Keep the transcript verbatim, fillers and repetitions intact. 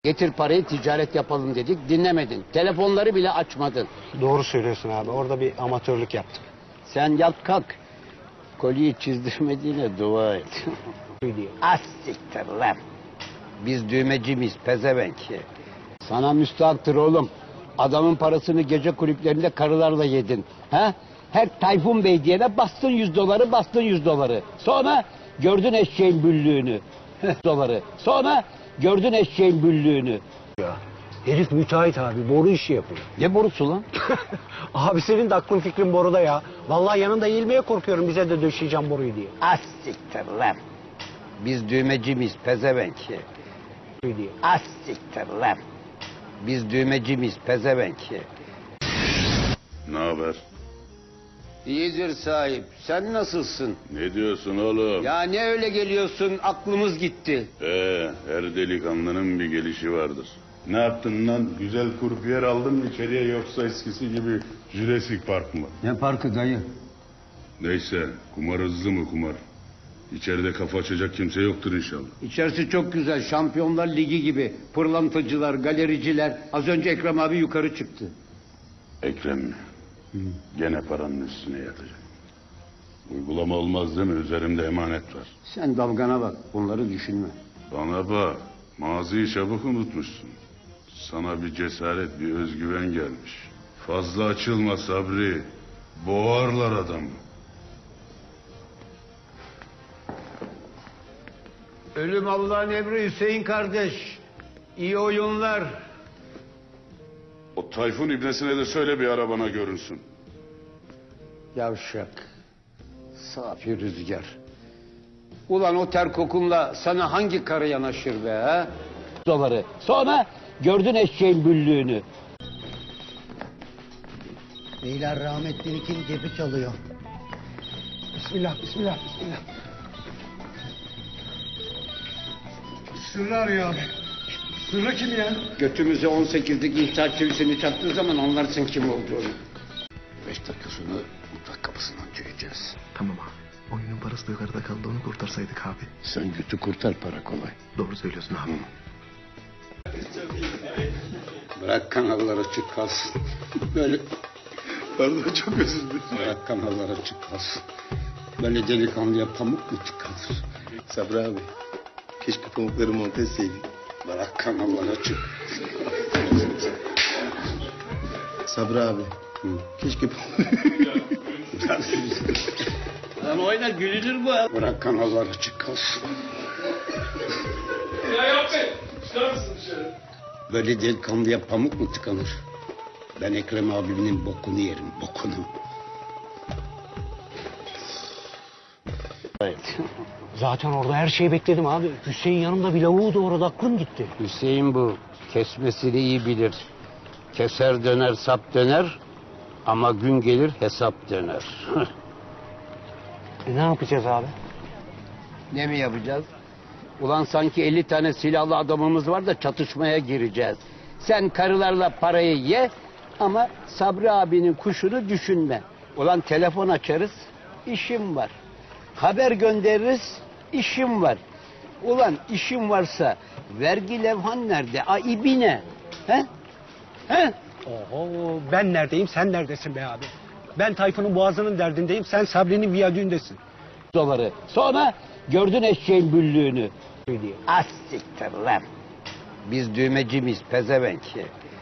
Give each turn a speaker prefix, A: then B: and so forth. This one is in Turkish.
A: Getir parayı ticaret yapalım dedik, dinlemedin. Telefonları bile açmadın.
B: Doğru söylüyorsun abi. Orada bir amatörlük yaptık.
A: Sen yat kalk. Kolyeyi çizdirmediğine dua et. Az siktir lan. Biz düğmeci miyiz pezevenk? Sana müstahaktır oğlum. Adamın parasını gece kulüplerinde karılarla yedin. Ha? Her Tayfun Bey diyene bastın yüz doları, bastın yüz doları. Sonra gördün eşeğin büllüğünü. doları. Sonra gördün eşeğin büllüğünü.
B: Ya herif müteahhit abi. Boru işi yapıyor.
A: Ne borusu lan?
B: Abi senin de aklın fikrin boruda ya. Vallahi yanında eğilmeye korkuyorum bize de döşeyeceğim boruyu diye.
A: Az siktir lan. Biz düğmeci miyiz pezevenk? Az siktir lan. Biz düğmeci miyiz pezevenk?
C: Ne haber?
A: İyidir sahip. Sen nasılsın?
C: Ne diyorsun oğlum?
A: Ya ne öyle geliyorsun? Aklımız gitti.
C: Ee, her delikanlının bir gelişi vardır. Ne yaptın lan? Güzel kurpiyer aldın mı içeriye yoksa eskisi gibi Jurassic Park mı?
A: Ne parkı dayı?
C: Neyse, kumar hızlı mı kumar? İçeride kafa açacak kimse yoktur inşallah.
A: İçerisi çok güzel. Şampiyonlar Ligi gibi. Pırlantacılar, galericiler. Az önce Ekrem abi yukarı çıktı.
C: Ekrem mi? Hı. Gene paranın üstüne yatacak. Uygulama olmaz değil mi? Üzerimde emanet var.
A: Sen dalgana bak. Bunları düşünme.
C: Bana bak, maziyi çabuk unutmuşsun. Sana bir cesaret, bir özgüven gelmiş. Fazla açılma Sabri. Boğarlar adamı.
A: Ölüm Allah'ın emri Hüseyin kardeş. İyi oyunlar.
C: O Tayfun ibnesine de söyle bir arabana görünsün.
A: Yavşak. Safi rüzgar. Ulan o ter kokunla sana hangi karı yanaşır be ha? Doları. Sonra gördün eşeğin büllüğünü.
D: Beyler rahmetli kim cebi çalıyor.
B: Bismillah, bismillah, bismillah.
D: Sırrı arıyor abi. Sırrı kim ya?
A: Götümüze on sekizlik ihtar çivisini çaktığı zaman anlarsın kim olduğunu. Beş dakikasını mutfak kapısından çekeceğiz.
E: Tamam abi. Oyunun parası da yukarıda kaldı, onu kurtarsaydık abi.
A: Sen götü kurtar, para kolay.
E: Doğru söylüyorsun abi.
A: Bırak kanallar açık kalsın. Böyle
C: Pardon, çok özür dilerim.
A: bırak kanallar açık kalsın. Böyle delikanlıya pamuk mu tıkanır?
F: Sabri abi, keşke pamukları monte etseydin.
A: Bırak kanallar açık.
F: Sabri abi,
A: Hı.
F: keşke
A: Lan oyna gülünür bu. Bırak kanallar açık kalsın.
G: Ya yapmayın. Çıkar mısın dışarı?
A: Böyle delikanlıya pamuk mu tıkanır? Ben Ekrem abimin bokunu yerim, bokunu. Evet.
B: Zaten orada her şeyi bekledim abi. Hüseyin yanımda bir lavuğu doğradı, aklım gitti.
A: Hüseyin bu. Kesmesini iyi bilir. Keser döner, sap döner. Ama gün gelir hesap döner.
B: E ne yapacağız abi?
A: Ne mi yapacağız? Ulan sanki elli tane silahlı adamımız var da çatışmaya gireceğiz. Sen karılarla parayı ye ama Sabri abinin kuşunu düşünme. Ulan telefon açarız, işim var. Haber göndeririz, işim var. Ulan işim varsa vergi levhan nerede? A ibine. He? He?
B: Oho, ben neredeyim, sen neredesin be abi? Ben Tayfun'un boğazının derdindeyim, sen Sabri'nin viyadüğündesin.
A: Doları. Sonra gördün eşeğin büllüğünü. Az siktir lan. Biz düğmeci miyiz pezevenk?